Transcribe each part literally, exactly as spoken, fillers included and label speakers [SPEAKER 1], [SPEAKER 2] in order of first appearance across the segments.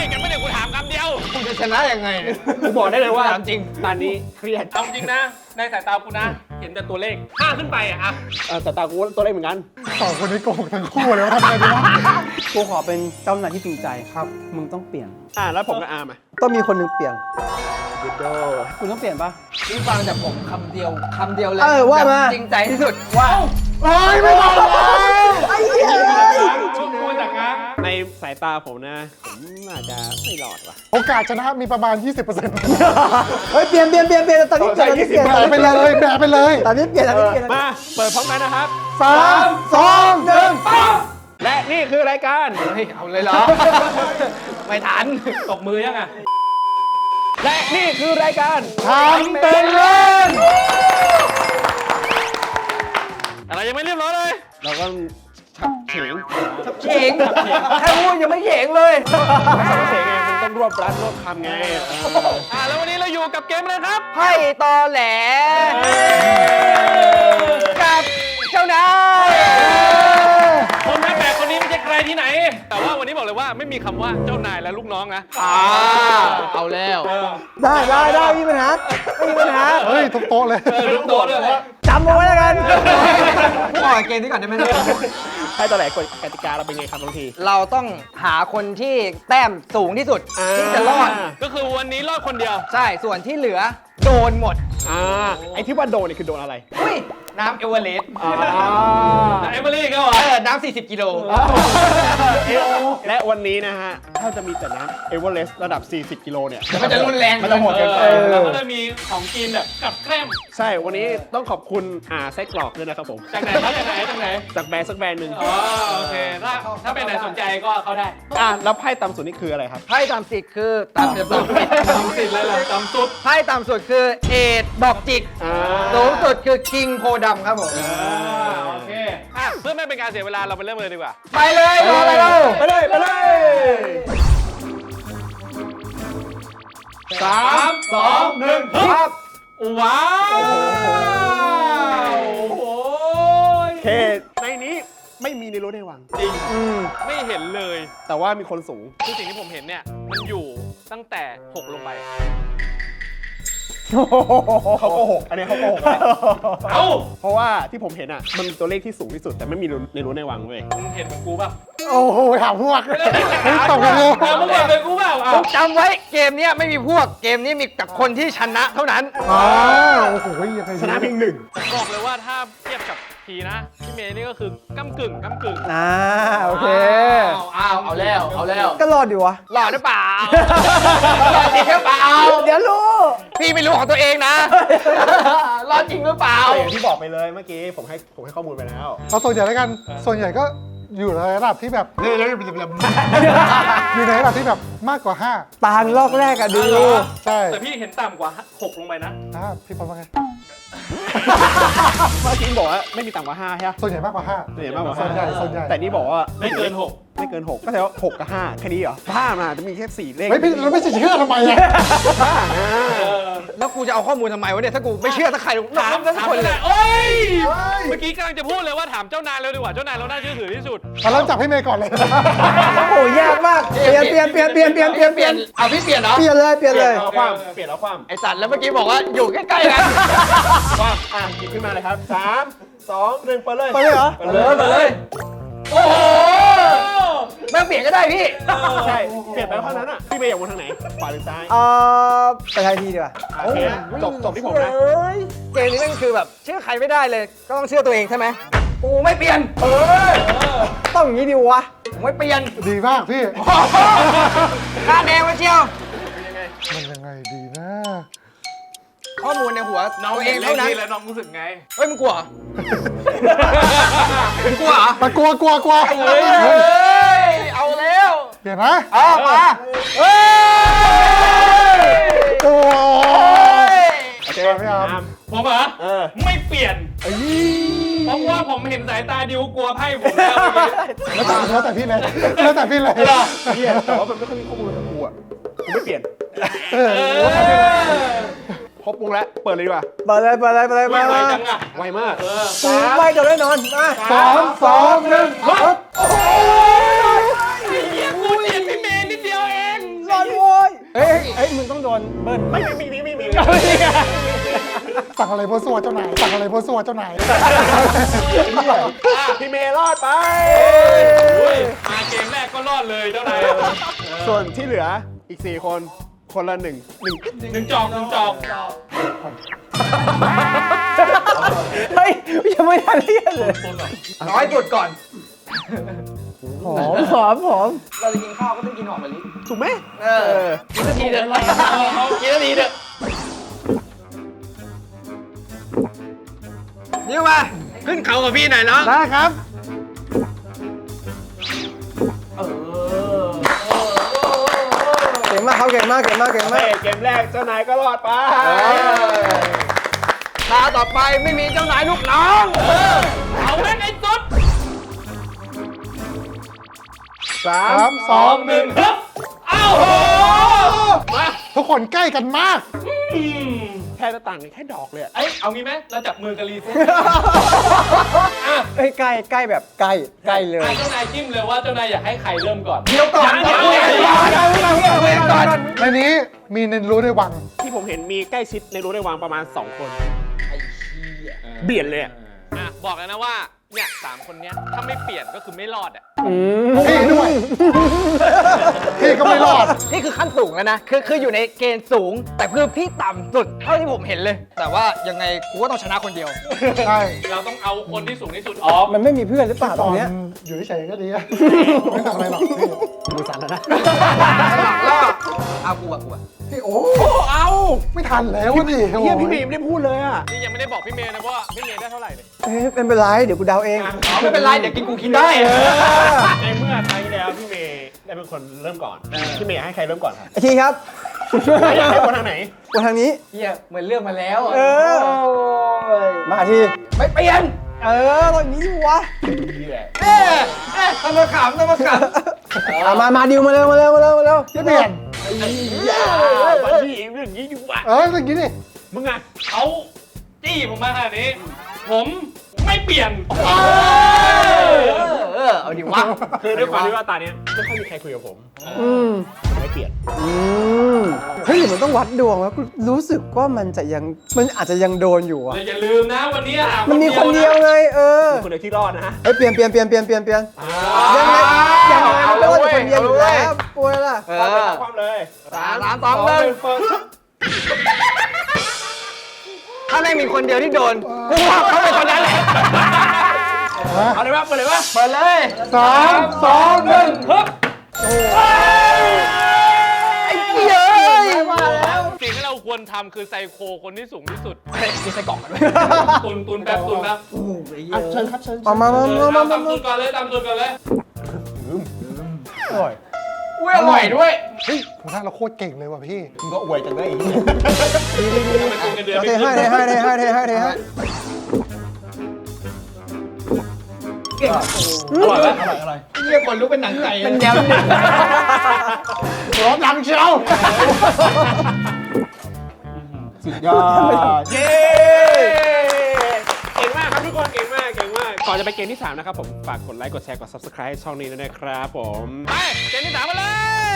[SPEAKER 1] กันไม่ได้กูถามคำเดียว
[SPEAKER 2] คุณจะชนะยังไงเนี่ย
[SPEAKER 1] กูบอกได้เลยว่า
[SPEAKER 2] ถามจริง
[SPEAKER 1] ตอนนี้เครียดเอาจริงนะในสายตากูนะเห็นแต่ตัวเลขห้าขึ้นไปอะอะสายตากูตัวเลขเหมือนกัน
[SPEAKER 3] สองคนนี้โกหกทั้งคู่เลยว่าทำไงดีวะ
[SPEAKER 4] กูขอเป็นเจ้านายที่จริงใจครับมึงต้องเปลี่ยน
[SPEAKER 1] อ่าแล้วผมกับอาร์มอะ
[SPEAKER 4] ต้องมีคนหนึ่งเปลี่ยน
[SPEAKER 1] ยูโด
[SPEAKER 4] คุณต้องเปลี่ยนปะ
[SPEAKER 2] พี่ฟังจากผมคำเดียวคำเดียวเลย
[SPEAKER 4] เออว่ามา
[SPEAKER 2] แบบจริงใจที่สุดว่า
[SPEAKER 3] เฮ้ยไม่บอกเลย
[SPEAKER 4] ไอ้เหี้ย
[SPEAKER 1] กูจากงในสายตาผมนะผมน่าจะไม่รอดว่ะ
[SPEAKER 3] โอกาสชนะมีประมาณ ยี่สิบเปอร์เซ็นต์
[SPEAKER 4] เฮ้ยเปลี่ยนเปลี่ยนเปลี่ยนเปลี่ยนตอนนี้เปลี่ยนตอนนี้เปลี่ยน
[SPEAKER 3] แบะไปเลยแบะไปเลย
[SPEAKER 4] ตอนนี้เปลี่ยนตอนนี้เปลี่ยน
[SPEAKER 1] มาเปิดพร้อมกันนะครับ
[SPEAKER 3] สามสองหนึ่ง
[SPEAKER 1] และนี่คือรายการ
[SPEAKER 2] เฮ้ยเอาเลยเหรอ ไม่ทัน
[SPEAKER 1] ตบมือยังอ่ะและนี่คือรายการ
[SPEAKER 3] ทำเป็นเล่น
[SPEAKER 1] อะไรยังไม่เรียบร้อยเลยเราก็ชักเฉง
[SPEAKER 2] เฉงแค่พูดยังไม่เฉงเลย
[SPEAKER 1] ชักเฉงไงมันต้องรวบรัดรวบคำไงเอออ่าแล้ววันนี้เราอยู่กับเกมอะไรครับ
[SPEAKER 2] ไพ่ตอแหลกับเจ้านาย
[SPEAKER 1] คนแม่แปลกคนนี้ไม่ใช่ใครที่ไหน แต่ว่าวันนี้บอกเลยว่าไม่มีคำว่าเจ้านายและลูกน้องนะ
[SPEAKER 2] อ่าเอาแล้ว
[SPEAKER 4] ได้ได้ได้ไม่มีปัญหาไม่มีปัญหา
[SPEAKER 3] เฮ้ยทุกโต๊ะเลย
[SPEAKER 1] เออลูกโดดเลย
[SPEAKER 4] จำเอาไว้แล้วกัน
[SPEAKER 2] พูดออกเกมนี้ก่อนได้ไหม
[SPEAKER 1] ให้ตอนไหนกฎกติกาเราเป็นไงครับบางที
[SPEAKER 2] เราต้องหาคนที่แต้มสูงที่สุดที่จะรอด
[SPEAKER 1] ก็คือวันนี้รอดคนเดียว
[SPEAKER 2] ใช่ส่วนที่เหลือโดนหมด
[SPEAKER 1] อ่าไอ้ที่ว่าโดนนี่คือโดนอะไร
[SPEAKER 2] อุ้ยน้ำเอเวอเรสต์
[SPEAKER 1] เอเมอรี่ก็เหรอ
[SPEAKER 2] เออน้ำสี่สิบกิโล
[SPEAKER 1] และวันนี้นะฮะ ถ้าจะมีแต่น้ำเอเวอเรสต์ระดับ สี่สิบ กิโลเนี่ย
[SPEAKER 2] มันจะรุนแรง
[SPEAKER 1] มันจะโหดเกินไป
[SPEAKER 4] แล้ว
[SPEAKER 1] ก็จะมีของกินแบบกับแกล้มใช่ วันนี้ต้องขอบคุณอ่าไส้กรอกด้วยนะครับผม จากไหนครับจากไหนจากไหน จากแบรนด์สักแบรนด์หนึ่งอ๋อโอเค ถ้าถ้าเป็นไหนสนใจก็เข้าได้ อ่าแล้วไพ่ต่ำสุดนี่คืออะไรครับ
[SPEAKER 2] ไพ่ต่ำสุดคือต่ำสุด
[SPEAKER 1] ต่ำสุดเลยเหรอต่ำสุด
[SPEAKER 2] ไพ่ต่ำสุดคือเอดดอกจิก
[SPEAKER 1] อ่า
[SPEAKER 2] สูงสุดคือคิงโพดำครับผม
[SPEAKER 1] อ่าโอเคอ่ะเพื่อไม่เป็นการเสียเวลาเราไปเริ่มเลยดีกว่า
[SPEAKER 2] ไปเลยรออะไรเรา
[SPEAKER 1] ไปเลยไปเลยสามสองหนึ่ง
[SPEAKER 2] ครับ
[SPEAKER 1] ว้าวโอ้ยเคในนี้ไม่มีในรถในวังจริงไม่เห็นเลย แต่ว่ามีคนสูงคือสิ่งที่ผมเห็นเนี่ยมันอยู่ตั้งแต่หกลงไปเขาโกหกอันนี้เขาโกหกเอ้าเพราะว่าที่ผมเห็นอ่ะมันมีตัวเลขที่สูงที่สุดแต่ไม่มีในรั้วในวังเว้ยมึงเห็นเหมือนกูป่ะ
[SPEAKER 3] โอ้โหถามพวกเฮ้ยตอบกันเลย
[SPEAKER 1] มึงเห็นเหมือนกูเปล่าอ่ะ
[SPEAKER 2] จำไว้เกมนี้ไม่มีพวกเกมนี้มีแต่คนที่ชนะเท่านั้น
[SPEAKER 3] อ้าโอ้โหยังไง
[SPEAKER 1] ชนะเพียงหนึ่งบอกเลยว่าถ้าเทียบกับพีนะพี่เมย์นี่ก็คือก้ำกึ่งก้ำกึ่ง
[SPEAKER 4] อ่าโอเค
[SPEAKER 2] อ้าวเอาแล้วเอาแล้ว
[SPEAKER 4] ก็รอดอยู่วะ
[SPEAKER 2] หล่อหรือเปล่าหล่อจริงหรือเปล่า
[SPEAKER 4] เดี๋ยวรู้
[SPEAKER 2] พี่ไม่รู้ของตัวเองนะหล่อจริงหรือเปล่า
[SPEAKER 1] อย่างที่บอกไปเลยเมื่อกี้ผมให้ผมให้ข้อมูลไปแล้ว
[SPEAKER 3] เอาส่วนใหญ่แล้วกัน ส่วนใหญ่ก็อยู่ในระดับที่แบบอยู่ในระดับที่แบบมากกว่าห้า
[SPEAKER 4] ตาลอกแรกอะดู
[SPEAKER 3] ใช่
[SPEAKER 1] แต่พี่เห็นต่ำกว่าหกลงไปนะ
[SPEAKER 3] อ่าพี่ปอนว่าไง
[SPEAKER 1] เมื่อกี้บอกว่าไม่มีต่ำกว่าห้าใช่ไหม
[SPEAKER 3] ส่วนใหญ่มากกว่าห้า
[SPEAKER 1] ส่วนใหญ่มากกว่า
[SPEAKER 3] ส่วนใหญ่ส่วนใหญ่
[SPEAKER 1] แต่นี่บอกว่าไม่เกินหกไม่เกินหกก็แสดงว่าหกกับห้าแค่นี้เหรอห้ามาจะมีแค่สี่เลข
[SPEAKER 3] เฮ้ยพี่เราไม่เชื่อทำไมอ่ะ
[SPEAKER 2] แล้วกูจะเอาข้อมูลทำไมวะเนี่ยถ้ากูไม่เชื่อสักใครน
[SPEAKER 1] ถาม
[SPEAKER 2] สัก
[SPEAKER 1] ถาม
[SPEAKER 2] คนเล
[SPEAKER 1] เลย ยโอ้ยเมื่อกี้กำลังจะพูดเลยว่าถามเจ้านายเร็วดีกว่าเจ้านายเราน่าเชื่อถือที่สุด
[SPEAKER 3] เราเริ่มจับให้เมย์ก่อนเลย
[SPEAKER 4] โอ้โหยากมากเปลี่ยนเปลี่ยนเปลี่ยนเปลี่ยนเปลี่ยนเปลี่ยนเปลี่ยน
[SPEAKER 2] เอาพี่เปลี่ยนเหรอ
[SPEAKER 4] เปลี่ยนเลยเปลี่ยนเลย
[SPEAKER 1] เอาความเปลี่ยนเอาความ
[SPEAKER 2] ไอสัตว์แล้วเมื่อกี้บอกว่าอยู่ใกล้ๆกัน
[SPEAKER 1] ความอ่ะหยิบขึ้นมาเลยครับสามสองหนึ่งไปเลย
[SPEAKER 4] ไปเลยเหรอ
[SPEAKER 1] ไปเลยไปเลย
[SPEAKER 2] โอ้โหแม่งเปลี่ยนก็ได้พี่
[SPEAKER 1] ใช่เปลี่ยนไปเท่านั้นอ่ะพี่เมย์อยากวนทางไหนขวาหรือซ้าย
[SPEAKER 4] เอ่อไปทายทีดีกว่า
[SPEAKER 1] โอเคจบจบที่ผมนะ
[SPEAKER 4] เอ้ย
[SPEAKER 2] เกมนี้แม่งคือแบบเชื่อใครไม่ได้เลย ก็ต้องเชื่อตัวเองใช่ไหมกูไม่เปลี่ยน
[SPEAKER 1] เออ
[SPEAKER 4] ต้องอย่างนี้ดิวะ
[SPEAKER 2] ผมไม่เปลี่ยน
[SPEAKER 3] ดีมากพี่
[SPEAKER 2] ค่าแดงมาเชียว
[SPEAKER 3] มันยังไงดีนะ
[SPEAKER 2] ข้อมูลในหัว
[SPEAKER 1] น้อง
[SPEAKER 2] ตัว
[SPEAKER 1] เอ
[SPEAKER 2] เอง ง
[SPEAKER 1] เท่า
[SPEAKER 2] เท่า
[SPEAKER 1] นั้
[SPEAKER 2] นั้น น
[SPEAKER 1] แล้วน้องรู้สึกไง
[SPEAKER 2] เฮ้ยมึงกลัวเหรอมึงกลัวเหรอ
[SPEAKER 3] มากลัวกลัวกลัว
[SPEAKER 2] เฮ้ยเอาแล้ว
[SPEAKER 3] เดี๋ยวนะ
[SPEAKER 2] เอามาเฮ้ย
[SPEAKER 3] โอ้
[SPEAKER 1] โอเค
[SPEAKER 3] พี่อาร์ม
[SPEAKER 1] ผมเหรอเออไม่เปลี่ยนเพราะว่าผมเห็นสายตาดิวกลัวไพ่ผมแล้วเมื่อกี้
[SPEAKER 3] แล้วแต่แล้วแต่พี่เลยแล้วแต่พี่เลย
[SPEAKER 1] เปลี่ยนแต่ว่ามันไม่ค่อยมีข้อมูลกับกูอ่ะกูไม่เปลี่ยน
[SPEAKER 3] เออ
[SPEAKER 1] ครบวงแล้วเปิดเลยดีกว่า
[SPEAKER 4] เปิดเลยเปิดเลยเปิดเลย
[SPEAKER 1] ไว
[SPEAKER 4] มา
[SPEAKER 1] จังอ่ะไวมากเออ
[SPEAKER 4] กูไม่เดี๋ยวแน่นอนมา
[SPEAKER 3] สามสองหนึ่ง
[SPEAKER 1] เฮียกูเจียดพี่เมย์นิดเดียวเอง
[SPEAKER 4] เฮ้ยเฮ้ยมึงต้องโดนเบิ้ล
[SPEAKER 1] ไม่มีมีมีมี
[SPEAKER 3] สั่งอะไรโพสัวเจ้านายสั่งอะไรโพสัวเจ้านาย
[SPEAKER 1] พี่เมย์รอดไป
[SPEAKER 5] มาเกมแรกก็รอดเลยเจ้านาย
[SPEAKER 1] ส่วนที่เหลืออีกสี่คนคนละหนึ่งหนึ่ง
[SPEAKER 5] หนึ่งจอกหนึ่งจอก
[SPEAKER 4] เฮ้ยยังไม่ทันเรียนเลย
[SPEAKER 2] น้อยสุดก่อน
[SPEAKER 4] หอมหอมหอม
[SPEAKER 2] เราจะกินข้าวก็ต้องกินหอมมะลิ
[SPEAKER 1] ถูกไหม
[SPEAKER 2] เออ
[SPEAKER 5] กินนาทีเถอะกินนาทีเถอะ
[SPEAKER 2] นี่มา
[SPEAKER 5] ขึ้นเขากับพี่หน่อยเนาะ
[SPEAKER 1] ได้ครับ
[SPEAKER 4] เก่งมากเขาเก่งมากเก่งมากเก่งมาก
[SPEAKER 1] เกมแรกเจ้านายก็รอดไป
[SPEAKER 2] ตาต่อไปไม่มีเจ้านายลูกน้อง
[SPEAKER 5] เอาแม่งไอ้สุด
[SPEAKER 3] สามสอง
[SPEAKER 5] หนึ่งครับเอ้าโหมา
[SPEAKER 3] ทุกคนใกล้กันมาก
[SPEAKER 1] แค่หน้าต่างแค่ดอกเลยอะ
[SPEAKER 5] เอ้ยเอางี้ไหมเราจับมือกันรีเซ็ต
[SPEAKER 4] เฮ้ยใกล้ใกล้แบบใกล้ใกล้เลย
[SPEAKER 5] เจ้านายจิ้มเลยว่าเจ้านายอยากให้ใครเริ่มก่อน
[SPEAKER 2] เดี๋ยวก่อน
[SPEAKER 5] ยัง
[SPEAKER 2] เดี๋ยวก่อนเดี๋ยวก่อน
[SPEAKER 3] ในนี้มีในรู้ในวัง
[SPEAKER 1] ที่ผมเห็นมีใกล้ชิดในรู้ในวางประมาณสองคนเบียดเลยอะ
[SPEAKER 5] อ่ะบอกแล้วนะว่าเนี่ยสามคนเนี้ยถ้าไม่เปลี่ยนก็คือไม่รอดอ่ะ
[SPEAKER 3] พี่ด้วย พี่ก็ไม่รอด
[SPEAKER 2] นี่คือขั้นสูงแล้วนะ คือคืออยู่ในเกณฑ์สูง แต่คือพี่ต่ำสุดเท่าที่ผมเห็นเลย แต่ว่ายังไงกูก็ต้องชนะคนเดียว
[SPEAKER 3] ใช่
[SPEAKER 5] เราต้องเอาคนที่สูงที่สุดออก
[SPEAKER 4] มันไม่มีเพื่อนหรือเปล่าต
[SPEAKER 3] ต
[SPEAKER 4] ร
[SPEAKER 3] องน
[SPEAKER 4] เนี้ย
[SPEAKER 3] อยู่เฉยๆก็ดีอะไม่ทำอะไรหรอกพี่
[SPEAKER 4] มือสั่นแล้วนะ
[SPEAKER 2] เอากูอะกูอะ
[SPEAKER 3] พี่โอ้
[SPEAKER 1] เอา
[SPEAKER 3] ไม่ทันแล้วดิ
[SPEAKER 1] เฮียพี่เมย์ไม่ได้พูดเลยอะ
[SPEAKER 5] นี่ยังไม่ได้บอกพี่เมย์นะว่าพี่เมย์ได้เท่าไหร่เลย
[SPEAKER 4] เอ้ยเป็นเป็นไรเดี๋ยวกูเดาเอง
[SPEAKER 2] ไม่เป็นไร เดี๋ยวกินกูคิดได้
[SPEAKER 1] ในเมื่อครั้งที่แล้วพี่เมย์ได้เป็นคนเริ่มก่อนพี่เมย์ให้ใครเริ่มก่อนครับ
[SPEAKER 4] ไอทีครับ
[SPEAKER 1] อยากให้คนทางไหน
[SPEAKER 4] กูทางนี้
[SPEAKER 2] เฮียเหมือนเรื่องมาแล้วอะ
[SPEAKER 4] เออ มาที
[SPEAKER 2] ไม่เปลี่ยน
[SPEAKER 4] เออตอนนี้ดิวะ
[SPEAKER 2] เอ๊ะเอ๊ะทำมาขำทำมาข
[SPEAKER 4] อ่ะมามาดิวมาเร็วมาเร็วมาเร็วมาเร็ว
[SPEAKER 3] จะเปลี่ยน
[SPEAKER 1] บัดดี้เรื่องนี้อยู่วะ
[SPEAKER 3] เอออย่างนี้ดิ
[SPEAKER 1] มึงอะ
[SPEAKER 5] เขาจี้ผมมาขนาดนี้ ผมไม่เปลี่ยน
[SPEAKER 2] ำเออเออเอาดิวะ
[SPEAKER 1] คือด้วยความที่ว่าตาเนี้ยไม่ค่อยมีใครคุยกับผม
[SPEAKER 4] อืม
[SPEAKER 1] ไม่เปลี่ยน
[SPEAKER 4] อืมเฮ้ยหรือมันต้องวัดดวงวะกูรู้สึกว่ามันจะยังมันอาจจะยังโดนอยู่อะ
[SPEAKER 5] อย่าลืมนะวันนี้หา
[SPEAKER 4] มันมีคนเดียวไงเออ
[SPEAKER 1] คนเดียวที่รอดนะฮะ
[SPEAKER 4] เฮ้ยเปลี่ยนเปลี่ยนเปลี่ยนเปลี่ยนเปลี่ยนเปลี่ยนยังไงยังไงมันก็ต้องเป็นคนเดียวอยู่แล้วป่วยล่ะ
[SPEAKER 2] เอ
[SPEAKER 1] ความเลย
[SPEAKER 2] อ
[SPEAKER 1] ความเลย
[SPEAKER 2] สามสามสองหนึ่ง
[SPEAKER 1] เฟิร์ส
[SPEAKER 2] ถ้าไม่มีคนเดียวที่โดน กูว่าเขาเป็นคนนั้นแหละ
[SPEAKER 1] เอาเลยว่าเปิดเลยว่า
[SPEAKER 2] เปิดเลย
[SPEAKER 3] สามสองหนึ่ง
[SPEAKER 5] ฮึบ
[SPEAKER 2] เย้ยมาแล้ว
[SPEAKER 5] สิ่งที่เราควรทำคือไซโคคนที่สูงที่สุด
[SPEAKER 2] มีใส่กล่องกันไหม
[SPEAKER 5] ตุนตุนแป๊บตุนแป๊บ
[SPEAKER 3] เชิญครับเชิญ
[SPEAKER 4] มามามามามา
[SPEAKER 5] ตาม
[SPEAKER 4] มา
[SPEAKER 5] ตุนก่อนเลยตามตุนก่อนเลย
[SPEAKER 2] อุ้ยอร่อยด้วย
[SPEAKER 3] เฮ้ยผมว่าเราโคตรเก่งเลยว่ะพี่
[SPEAKER 1] มึงก็อวยจังได้อีก
[SPEAKER 5] เป็นตุนกันเดือน
[SPEAKER 4] เอา
[SPEAKER 5] ไป
[SPEAKER 4] เท
[SPEAKER 5] ขึ้
[SPEAKER 4] ให้
[SPEAKER 5] น
[SPEAKER 4] เทให้เทให้เทให้เทให้
[SPEAKER 1] อร่อยไหม
[SPEAKER 2] เรียกคนรู้เป็นหนังไก่เป็นแนว
[SPEAKER 3] ร้อนดังเชียว
[SPEAKER 1] สุดยอด เย้ เก่งมากครับทุกคน เก่งมาก เก่งมาก ก่อนจะไปเกมที่สามนะครับผม ฝากกดไลค์ กดแชร์ กด ซับสไครบ์ ช่องนี้ด้วยนะครับผม
[SPEAKER 5] ไปเกมที่สามมาเลย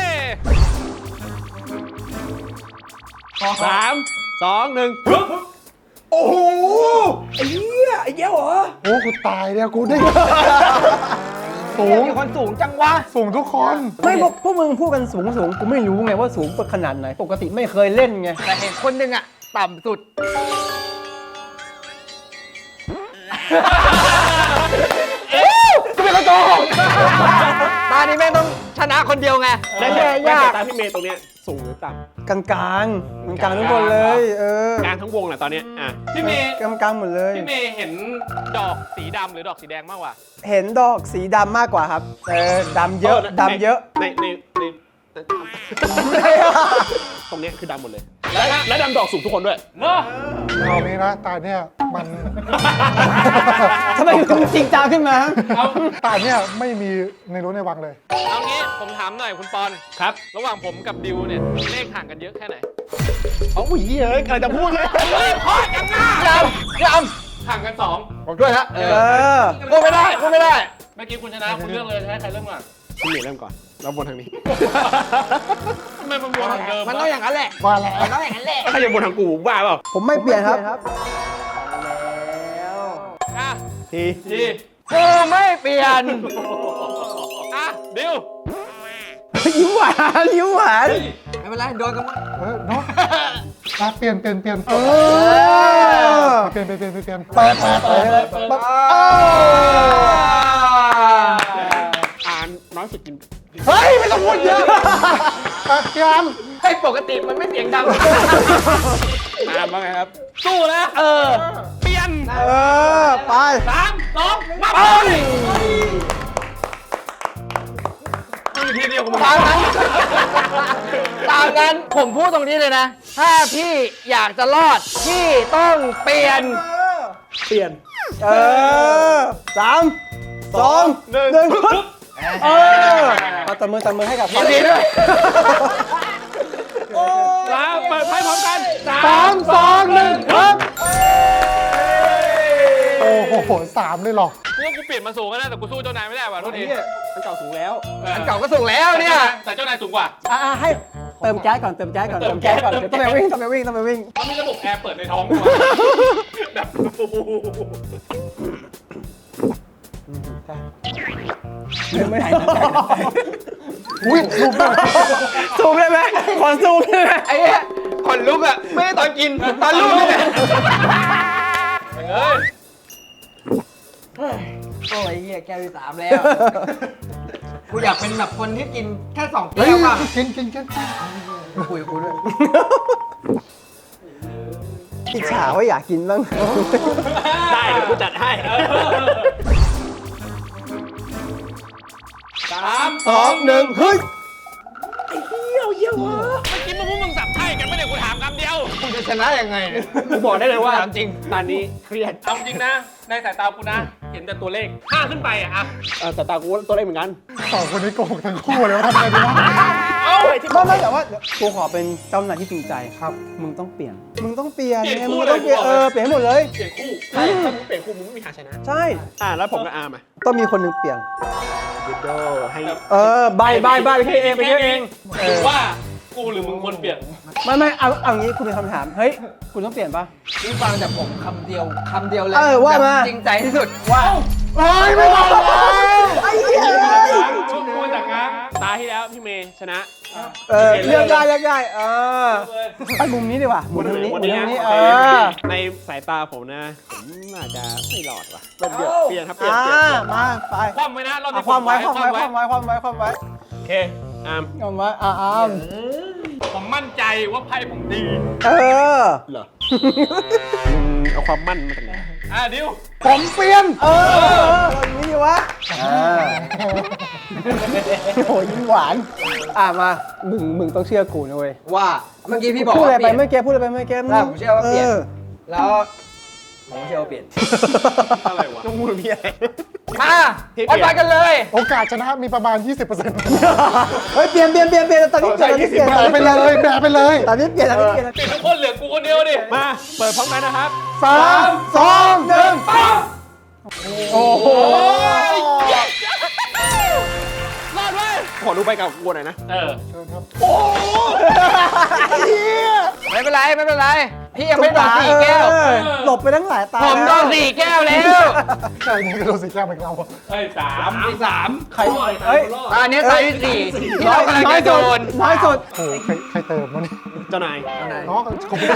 [SPEAKER 1] สามสองหนึ่ง
[SPEAKER 3] โอ้โห
[SPEAKER 1] ไอ้เหี้ยไอ้เหี้ยเหรอ
[SPEAKER 3] โอ้กูตายเนี่ยกูได้สูง
[SPEAKER 2] มีคนสูงจังวะ
[SPEAKER 3] สูงทุกคน
[SPEAKER 4] ไม่พวกพวกมึงพูดกันสูงสูงกูไม่รู้ไงว่าสูงขนาดไหน ปกติไม่เคยเล่นไง
[SPEAKER 2] แต่เห็นคนหนึ่งอะต่ำสุด กูเป็นคนโกหกตานี้แม่งต้องชนะคนเดียวไง
[SPEAKER 1] และ
[SPEAKER 4] แย่
[SPEAKER 1] แย่
[SPEAKER 4] ยาก
[SPEAKER 1] ตามพี่เมย์ตรงเนี้ยสูงหรือต่
[SPEAKER 4] กลางกลางกลางกลางทุกคนเลย เออ
[SPEAKER 1] ำกลางทั้งวงแหละตอนเนี้ยอ่ะ
[SPEAKER 5] พี่เมย์
[SPEAKER 4] กลางกลางหมดเลย
[SPEAKER 5] พี่เมย์เห็นดอกสีดำหรือดอกสีแดงมากกว่า
[SPEAKER 4] เห็นดอกสีดำมากกว่าครับ เออดำเยอะดำเยอะ
[SPEAKER 1] ในในในตรงเนี้ยคือดำหมดเลย และและดำดอกสูงทุกคนด้วย
[SPEAKER 5] เนาะ
[SPEAKER 3] เอานี้นะตาเนี่ยมัน
[SPEAKER 4] ทำไมมึงจริงจังขึ้นมา
[SPEAKER 5] เอา
[SPEAKER 3] ตาเนี่ยไม่มีในรู้ในวังเลย
[SPEAKER 5] เอางี้ผมถามหน่อยคุณปอน
[SPEAKER 1] ครับ
[SPEAKER 5] ระหว่างผมกับดิวเนี่ยเลขห่างกันเยอะแค่ไหน
[SPEAKER 1] เอาอุ้ยเฮ้ยกำลังจะพูดเลย
[SPEAKER 5] พ่อกันหน้าย
[SPEAKER 2] ำย
[SPEAKER 5] ห่างกันสอง
[SPEAKER 2] ำผมด้วยฮะเอ
[SPEAKER 4] เอ
[SPEAKER 2] อ
[SPEAKER 4] อ
[SPEAKER 2] พูดไม่ได้พูดไม่ได้
[SPEAKER 5] เมื่อกี้คุณชนะคุณเลือกเลยจะให้ใครเริ่มก่อน
[SPEAKER 1] พี่เมย์เริ่มก่อนแล้ววนทางนี้
[SPEAKER 5] ทำไมมันวนทางเดิม
[SPEAKER 2] มันต้องอย่างนั้นแหละ
[SPEAKER 3] ว่าแล้ว
[SPEAKER 2] มันต้องอย่างนั้นแหละ
[SPEAKER 1] ใครจะวนทางกูบ้าเปล่า
[SPEAKER 4] ผมไม่เปลี่ยนครับ
[SPEAKER 5] อ่ะ
[SPEAKER 1] ที
[SPEAKER 5] ที
[SPEAKER 2] กูไม่เปลี่ยน
[SPEAKER 5] อ่ะดิว
[SPEAKER 4] ยิ้มหวานยิ้มหวาน
[SPEAKER 2] ไม่เป็นไรโดนกันหมด
[SPEAKER 3] เออเนาะอ่ะเปลี่ยนเปลี่ยนเปลี่ยน
[SPEAKER 4] เออ
[SPEAKER 3] เปลี่ยนเปลี่ยนเปลี่ยนเปลี่ยน
[SPEAKER 4] เปิดเปิดเปิดเปิดเออ
[SPEAKER 1] อ่านน้อยสุดกิน
[SPEAKER 4] เฮ้ยไม่ต้องพูดเยอะ
[SPEAKER 3] อ่ะพี่อาร์ม
[SPEAKER 2] ให้ปกติมันไม่เสียงดัง
[SPEAKER 1] อ่านว่าไงครับ
[SPEAKER 5] สู้นะ
[SPEAKER 2] เออ
[SPEAKER 5] เปลี่ยน
[SPEAKER 4] เออไป
[SPEAKER 5] สามสองมา
[SPEAKER 2] เอ้ย
[SPEAKER 5] มึงอยู่ทีเดียวกับมึง
[SPEAKER 2] ตามนั้นตามนั้นผมพูดตรงนี้เลยนะ ถ้าพี่อยากจะรอด พี่ต้องเปลี่ยน
[SPEAKER 1] เปลี่ยน
[SPEAKER 4] เออสามสองหนึ่งปึ๊บเออเอาตบมือตบมือให้กับ
[SPEAKER 2] ยินดีด้วย
[SPEAKER 1] สามเปิดไพ่พร้อมกัน
[SPEAKER 4] สามสองหนึ่งครับ
[SPEAKER 3] โอ้โหสามเลยเหรอ
[SPEAKER 5] กูว่ากูเปลี่ยนมาสูงแล้วนะแต่กูสู้เจ้านายไม่ได้ว่ะโทษที
[SPEAKER 1] มันเก่าสูงแล้ว
[SPEAKER 2] อันเก่าก็ส่งแล้วเนี่ย
[SPEAKER 5] แต่เจ้านายสูงกว่า
[SPEAKER 4] อ่าให้เติมแก๊สก่อนเติมแก๊สก่อนเติมแก๊สก่อนเดี๋ยวต้องไปวิ่งต้องไปวิ่งต้องไปวิ่ง
[SPEAKER 5] เขามีระบบแอร์เปิดในท้องกูแบบ
[SPEAKER 4] ไม่ไหน
[SPEAKER 3] อุ้ยลูกได้
[SPEAKER 4] ซูมได้ไหมขอซูมได้ไหม
[SPEAKER 2] ไอ้เนี่ยขนลุกอะไม่ได้ตอนกิน ตอนลูกนี่แหละ
[SPEAKER 5] เฮ้ย
[SPEAKER 2] โอ้ยเหี้ยแก้วที่สามแล้ว กูอยากเป็นแบบคนที่กินแค่สอง
[SPEAKER 3] เฮ้ย
[SPEAKER 2] แก้วอะ
[SPEAKER 3] กินกินกิน
[SPEAKER 2] คุยกับกูด้วย
[SPEAKER 4] อิจฉาว่าอยากกินบ้าง
[SPEAKER 1] ได้เดี๋ยวกูจัดให้
[SPEAKER 5] สาม
[SPEAKER 4] สองหนึ่งเฮ้ย
[SPEAKER 5] เมื่อกี้มึงพวกมึงสับไพ่กันไม่ได้กูถามคำเดียว
[SPEAKER 2] กูจะชนะยังไงเนี่ย
[SPEAKER 1] กูบอกได้เลยว่า
[SPEAKER 2] ถามจริง
[SPEAKER 1] ตอนนี้เครียด
[SPEAKER 5] เอาจริงนะ ในสายตากูนะ เห็นแต่ตัวเลขห้าขึ้นไปอะอะ
[SPEAKER 1] เออแต่ตากูตัวเล็กเหมือนกัน
[SPEAKER 3] สองคนนี้โกหกทั้งคู่เลยว่าทำไงดีวะ
[SPEAKER 5] เอ้า
[SPEAKER 4] ไม่ไม่แต่ว่ากูขอเป็นเจ้านายที่จริงใจครับ มึงต้องเปลี่ยน มึงต้องเปลี่ยนไงมึงต้องเปลี่ยนเออเปลี่ยนให้หมดเลย
[SPEAKER 5] เปลี่ยนคู่ใช่ถ้ามึงเปลี่ยนคู่มึงไม่มีทางชนะ
[SPEAKER 4] ใช่
[SPEAKER 1] อ่าแล้วผมกับอาร์มอ่ะ
[SPEAKER 4] ต้องมีคนหนึ่งเปลี่ยน
[SPEAKER 1] เดโดให้
[SPEAKER 4] เออใบใบใบไปคิดเองไปคิดเอง
[SPEAKER 5] หรือว่ากูหรือมึงควรเปลี่ยน
[SPEAKER 4] ไม่ไม่เอาเอางี้คุณมีคำถามเฮ้ยคุณต้องเปลี่ยนปะ
[SPEAKER 2] นี่ฟังจากผมคำเดียวคำเดียวเลย
[SPEAKER 4] เออว่ามา
[SPEAKER 2] แบบจริงใจที่สุดว่า
[SPEAKER 4] เฮ้ยไม่บอกไอ้เหี้ย
[SPEAKER 5] กูกูจากง้าง
[SPEAKER 1] ตาที่แล้วพี่เมย์ชนะ
[SPEAKER 4] เออเลือกได้เลือกได้เออไปมุมนี้ดีกว่ามุมนี้มุมนี้เออ
[SPEAKER 1] ในสายตาผมนะ ผมน่าจะไม่รอดว่ะเปลี่ยนเปลี่ยนครับเปลี่ยน
[SPEAKER 4] อ่า
[SPEAKER 1] เปลี่ยนเปลี่ยน
[SPEAKER 4] มาไป
[SPEAKER 5] คว่ำไว้นะรอบ
[SPEAKER 4] เอา
[SPEAKER 5] นี้
[SPEAKER 4] ความไว้ความไว้ความไว้ความไว้ความไว้
[SPEAKER 1] โอเคอาร์ม
[SPEAKER 4] ความไว้อ่าอ่า
[SPEAKER 5] ผมมั่นใจว่าไพ่ผมดี
[SPEAKER 4] เออ
[SPEAKER 1] เหรอมึงเอาความมั่นมาจากไหน
[SPEAKER 5] อ่ะดิว
[SPEAKER 3] ผมเปลี่ยน
[SPEAKER 4] เออแบบนี้ดีวะโอ้ยยิ้มหวาน อ่ะมา มึง มึงต้องเชื่อกูนะเว้ย
[SPEAKER 2] ว่าเมื่อกี้พี่บอก
[SPEAKER 4] พูดอะไร
[SPEAKER 2] ว่า
[SPEAKER 4] ไป
[SPEAKER 2] เปลี่ยน
[SPEAKER 4] เมื่อกี้พูดอะไรไปเมื่อกี้
[SPEAKER 2] ได้ผมเชื่อว่าเปลี่ยน
[SPEAKER 4] ออ
[SPEAKER 2] แล้วผมเชื่อว่าเปลี่ยน
[SPEAKER 1] อะไรวะต้องพูดพี่อะไร
[SPEAKER 2] มา
[SPEAKER 1] พี่เปลี่
[SPEAKER 2] วั
[SPEAKER 1] ย
[SPEAKER 2] ด
[SPEAKER 1] น
[SPEAKER 2] ไปกันเลย
[SPEAKER 3] โอกาสชนะมีประมาณ ยี่สิบเปอร์เซ็นต์
[SPEAKER 4] เฮ้ย เปลี่ยนเปลี่ยนเปลี่ยนเปลี่ยนตอนนี้เปลี่ยนตอนนี้เปลี่ยน
[SPEAKER 3] แบะไปเลยแบะไปเลย
[SPEAKER 4] ตอนนี้เปลี่ยนตอนนี้เปลี่ยน
[SPEAKER 5] เปลี่ยนทุกคนเหลือกูคนเดียวดิ
[SPEAKER 1] มาเปิดพร้อมกันนะครับ
[SPEAKER 4] สามสองหนึ่งโอ้โห
[SPEAKER 5] รอดเว้ย
[SPEAKER 1] ขอดูไปกับกูหน่อยนะ
[SPEAKER 5] เออ
[SPEAKER 2] ไม่เป็นไรไม่เป็นไร พี่ยังไม่โดนสี่แก้ว
[SPEAKER 4] เออหลบไปทั้งหลายตา
[SPEAKER 2] ผมโดนสี่แก้วแล้ว
[SPEAKER 3] ใช่นี่ก็โดนสีแก้วเหมือนเรา
[SPEAKER 5] เฮ้ยสาม
[SPEAKER 2] อีกสาม
[SPEAKER 4] ใครเฮ้ย
[SPEAKER 2] อันนี้ตายที่สี่ที่
[SPEAKER 4] น้อ
[SPEAKER 2] เรา
[SPEAKER 4] ย
[SPEAKER 2] กำลัง
[SPEAKER 4] น้อย
[SPEAKER 2] จะโด
[SPEAKER 4] สุด
[SPEAKER 2] น
[SPEAKER 4] น้อยสุด
[SPEAKER 3] โอ้โหใครใครเติมวะนี่
[SPEAKER 1] เจ้านาย
[SPEAKER 3] น้องขอบคุณครับ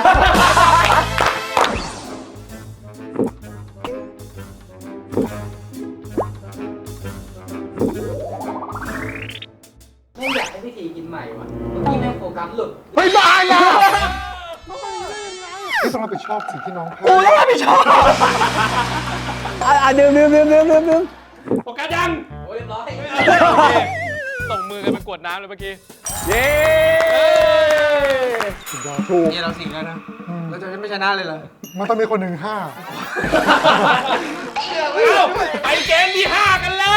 [SPEAKER 2] ไม่อยากให้พี่ทีกินใหม่ว่ะเมื่อกี้แม่งโฟกัสหลุด
[SPEAKER 3] ไม่ได้แล้วที่ต้องรับผิดชอบสิ่งที่น้องพลา
[SPEAKER 4] กู
[SPEAKER 3] ด
[SPEAKER 4] ต้องรับผิดชอบอ่ะอ่ะดื่มดื่มดื่มดื่มดื่มดื่ม
[SPEAKER 5] โฟกัสยัง
[SPEAKER 2] โอ้ยเรียบร้อย
[SPEAKER 5] ส่งมือกันไปกวดน้ำเลยเมื่อกี้
[SPEAKER 1] เย้
[SPEAKER 4] ถูก
[SPEAKER 2] นี่เราสี่แล้วนะ เราจะไม่ชนะเลยเหรอ
[SPEAKER 3] มันต้องมีคนหนึ่งห้า
[SPEAKER 5] เอ้าไปเกมที่ห้ากันเลย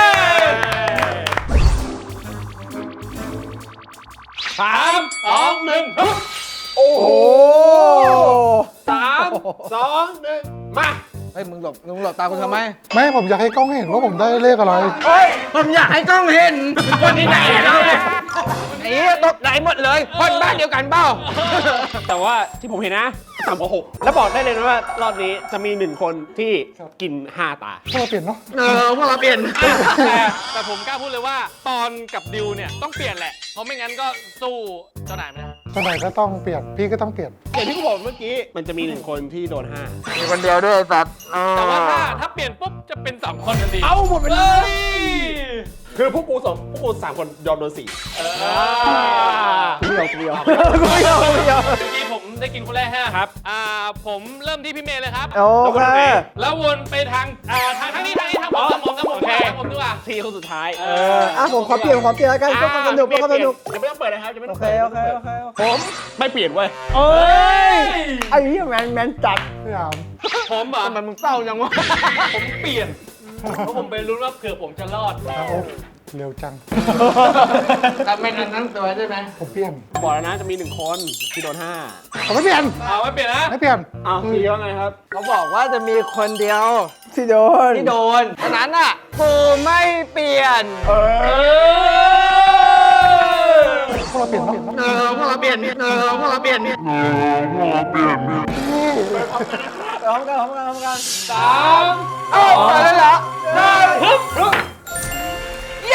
[SPEAKER 5] สามสองหนึ่งฮึบ
[SPEAKER 1] โอ้โห
[SPEAKER 4] โอ้
[SPEAKER 1] สามสองหนึ่งมา
[SPEAKER 2] เฮ้ยมึงหลบมึงหลบตาคุณทำไม
[SPEAKER 3] ไม่ผมอยากให้กล้องเห็นว่าผมได้เลขอะไร
[SPEAKER 2] เฮ้ยผมอยากให้กล้องเห็นคนที่ไหนเราเนี่ยไอ้เหี้ยตกไหนหมดเลยคนบ้านเดียวกันเปล่า
[SPEAKER 1] แต่ว่าที่ผมเห็นนะต่ำกว่าหกแล้วบอกได้เลยนะว่ารอบนี้จะมีหนึ่งคนที่กินห้าตา
[SPEAKER 3] พวกเราเปลี่ยนเนาะ
[SPEAKER 2] เออพวกเราเปลี่ยน
[SPEAKER 5] แต่แต่ผมกล้าพูดเลยว่าตอนกับดิวเนี่ยต้องเปลี่ยนแหละ เพราะไม่งั้นก็สู้เจ้านายไม่ได้
[SPEAKER 3] เจ้าไหนก็ต้องเปลี่ยน พี่ก็ต้องเปลี่ยน
[SPEAKER 1] อย่างที่ผมบอกเมื่อกี้มันจะมีหนึ่งคนที่โดนห้า
[SPEAKER 2] มีคนเดียวด้วยไอ้สัตว์
[SPEAKER 5] แต่ว่าถ้าถ้าเปลี่ยนปุ๊บจะเป็นสองคนทันที
[SPEAKER 1] เอาหมดไปเล
[SPEAKER 5] เฮ้
[SPEAKER 1] ย
[SPEAKER 5] ย
[SPEAKER 1] คือพวกกูสองพวกกูสามคนยอมโดนสี่
[SPEAKER 4] กูไม่ยอมกูไม่ยอมกูไม่ยอมกูไม่ยอม
[SPEAKER 5] เมื่อกี้ผมได้กินคนแรกห้าครับ อ่า ผมเริ่มที่พี่เมย์เลยครับ
[SPEAKER 4] โอเค
[SPEAKER 5] แล้ววนไปทาง อ่า ทางทางนี้ทางนี้ทางผมทางผมทางผมทางผมดีกว่า
[SPEAKER 1] ทีคนสุดท้าย
[SPEAKER 5] เอ
[SPEAKER 4] เอออ่ะผมขอเปลี่ยนขอเปลี่ยนแล้วกันเพื่อความสนุกเพื่อความสนุก
[SPEAKER 1] ยังไม่ต้องเปิดนะครับยังไม่
[SPEAKER 4] โอ
[SPEAKER 1] ต้อง
[SPEAKER 4] เค
[SPEAKER 1] เปิด
[SPEAKER 4] โอเคโอเคโอเค
[SPEAKER 1] ผมไม่เปลี่ยนเว้ย
[SPEAKER 4] เอ้ยไอ้เหี้ยแมนแมนจัด
[SPEAKER 3] พี่อาม
[SPEAKER 5] ผมอ่ะ
[SPEAKER 2] ทำไมมึงเศร้าจังวะ
[SPEAKER 5] ผมเปลี่ยน เพราะผมไปรู้นว่าเผื่อผมจะรอด
[SPEAKER 3] อาโอ๊คเร็วจัง
[SPEAKER 2] ทำไม่ทันทั้งตัวใช่ไหม
[SPEAKER 3] ผมเปลี่ยน
[SPEAKER 1] บอกแล้วนะจะมีหนึ่งคนที่โดนห้า
[SPEAKER 3] ผมไม่เปลี่ยน
[SPEAKER 5] เอาไม่เปลี่ยนนะ
[SPEAKER 3] ไม่เปลี่ยน
[SPEAKER 1] อ้าวทีว่าไงครับ
[SPEAKER 2] เขาบอกว่าจะมีคนเดียว
[SPEAKER 4] ที่โดน
[SPEAKER 2] ที่โดนฉะนั้นอ่ะกูไม่เปลี่ยน
[SPEAKER 1] เออ
[SPEAKER 3] พวกเราเปลี่ยนเนาะ
[SPEAKER 2] เออพวกเราเปลี่ยนเออพวกเราเปลี่ยน
[SPEAKER 4] พร้อมกันพร้อมกันพร้อมกัน
[SPEAKER 5] สาม
[SPEAKER 2] เอ้ามาแล้วเหรอ
[SPEAKER 5] ฮึบฮึบ
[SPEAKER 2] เย้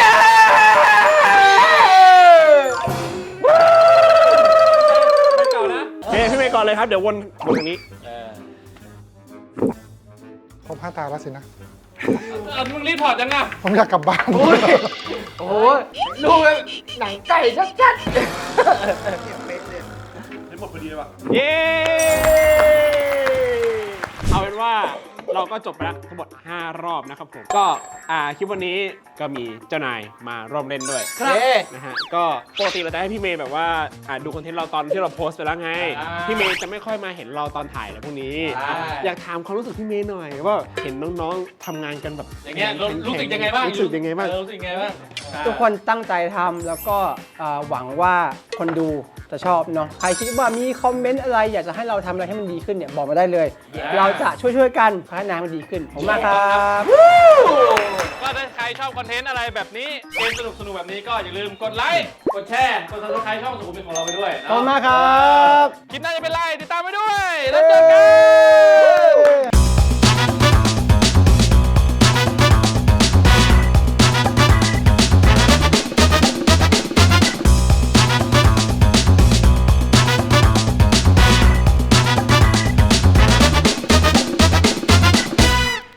[SPEAKER 5] ไปเก่านะ
[SPEAKER 1] โอเคพี่เมย์ก่อนเลยครับ เดี๋ยววนวนตรงนี้
[SPEAKER 3] ผมห้าตาแล้วสินะ
[SPEAKER 5] เออมึงรีบถอดจังอะ
[SPEAKER 3] ผมอยากกลับบ้าน
[SPEAKER 2] โอ้ยลูกหนังไก่ชัด
[SPEAKER 1] เย้ เอาเป็นว่าเราก็จบไปแล้วทั้งหมดห้ารอบนะครับผม ก็อ่าคลิปวันนี้ก็มีเจ้านายมาร่วมเล่นด้วย
[SPEAKER 2] ๆเย้
[SPEAKER 1] นะฮะ ก็ปกติเราจะให้พี่เมย์แบบว่าอ่าดูคอนเทนต์เราตอนที่เราโพสต์ไปแล้วไง พี่เมย์จะไม่ค่อยมาเห็นเราตอนถ่ายอะไรพวกนี้ อยากถามความรู้สึกพี่เมย์หน่อยว่าเห็นน้องๆทำงานกันแบบ
[SPEAKER 5] อย่างเงี้ยรู้รู้สึกยังไงบ้าง
[SPEAKER 1] รู้สึกยังไงบ้าง
[SPEAKER 5] เออรู้สึกยังไงบ้าง
[SPEAKER 4] ทุกคนตั้งใจทำแล้วก็อ่าหวังว่าคนดูจะชอบเนาะใครคิดว่ามีคอมเมนต์อะไรอยากจะให้เราทำอะไรให้มันดีขึ้นเนี่ยบอกมาได้เลย เราจะช่วยๆกันพัฒนามันดีขึ้นขอบคุณมากครับ
[SPEAKER 5] ก็ถ้าใครชอบคอนเทนต์อะไรแบบนี้ เกมสนุกสนุกๆแบบนี้ก็อย่าลืมกดไลค์ กดแชร์ กด ซับสไครบ์ ช่องสุขุมวิทของเราไปด้วย
[SPEAKER 4] ขอบคุณ
[SPEAKER 5] เนาะ
[SPEAKER 4] มากครับ
[SPEAKER 5] คลิปหน้าจะเป็นไรติดตามไปด้วย แล้วเจอกัน